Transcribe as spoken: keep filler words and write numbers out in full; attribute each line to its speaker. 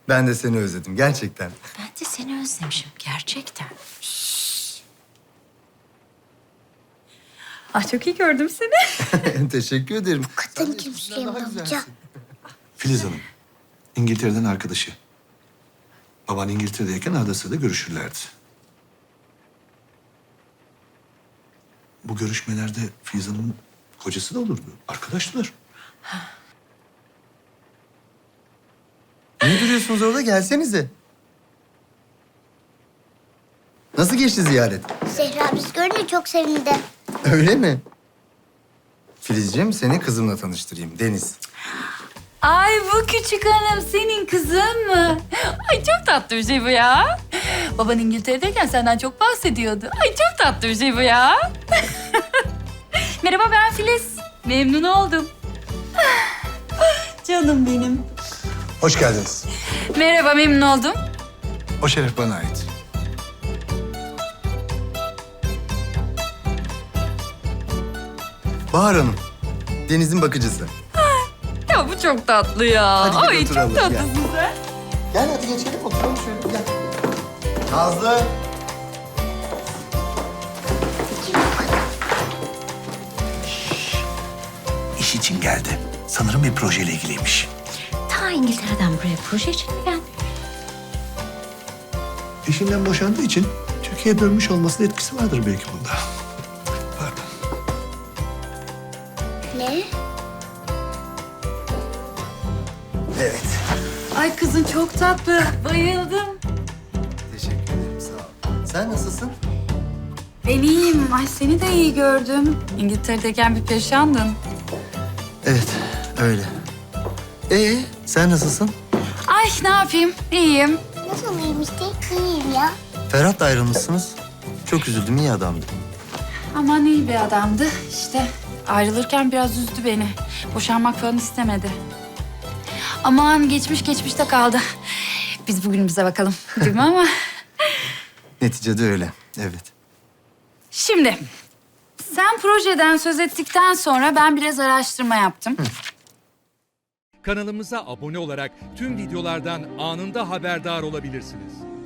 Speaker 1: Ben de seni özledim gerçekten.
Speaker 2: Ben de seni özlemişim gerçekten. Ah çok iyi gördüm seni.
Speaker 1: Teşekkür ederim.
Speaker 3: Kadın kim Süleyman amca?
Speaker 4: Filiz Hanım, İngiltere'den arkadaşı. Baban İngiltere'deyken arada sırada görüşürlerdi. Bu görüşmelerde Filiz Hanım'ın kocası da olurdu. Arkadaştılar.
Speaker 1: Ne duruyorsunuz orada? Gelsenize. Nasıl geçti ziyaret?
Speaker 3: Zehra biz görünce çok sevindi.
Speaker 1: Öyle mi? Filizciğim seni kızımla tanıştırayım. Deniz.
Speaker 2: Ay bu küçük hanım senin kızın mı? Ay çok tatlı bir şey bu ya. Baban İngiltere'deyken senden çok bahsediyordu. Ay çok tatlı bir şey bu ya. Merhaba ben Filiz. Memnun oldum. Canım benim.
Speaker 4: Hoş geldiniz.
Speaker 2: Merhaba memnun oldum.
Speaker 4: O şeref bana ait.
Speaker 1: Bahar Hanım. Deniz'in bakıcısı.
Speaker 2: Ya bu çok tatlı ya.
Speaker 1: Hadi gel
Speaker 2: Ay
Speaker 1: oturalım,
Speaker 2: çok tatlısın
Speaker 1: gel.
Speaker 2: sen.
Speaker 1: Gel hadi geçelim oturalım şöyle gel. Nazlı.
Speaker 4: İş için geldi. Sanırım bir projeyle ilgiliymiş.
Speaker 2: Ta İngiltere'den buraya proje için mi geldin?
Speaker 4: Eşinden boşandığı için Türkiye'ye dönmüş olmasının etkisi vardır belki bunda. Pardon.
Speaker 3: Ne?
Speaker 1: Evet.
Speaker 2: Ay kızın çok tatlı. Bayıldım.
Speaker 1: Teşekkür ederim sağ ol. Sen nasılsın?
Speaker 2: Ben iyiyim. Ay seni de iyi gördüm. İngiltere'deyken bir perişandın.
Speaker 1: Evet öyle. Ee sen nasılsın?
Speaker 2: Ay ne yapayım? İyiyim.
Speaker 3: Nasıl iyiyim işte? İyiyim ya.
Speaker 1: Ferhat'la ayrılmışsınız. Çok üzüldüm iyi adamdı.
Speaker 2: Aman iyi bir adamdı. İşte ayrılırken biraz üzdü beni. Boşanmak falan istemedi. Aman geçmiş geçmişte kaldı. Biz bugünümüze bakalım. Değil mi ama?
Speaker 1: Neticede öyle evet.
Speaker 2: Şimdi sen projeden söz ettikten sonra ben biraz araştırma yaptım.
Speaker 5: Kanalımıza abone olarak tüm videolardan anında haberdar olabilirsiniz.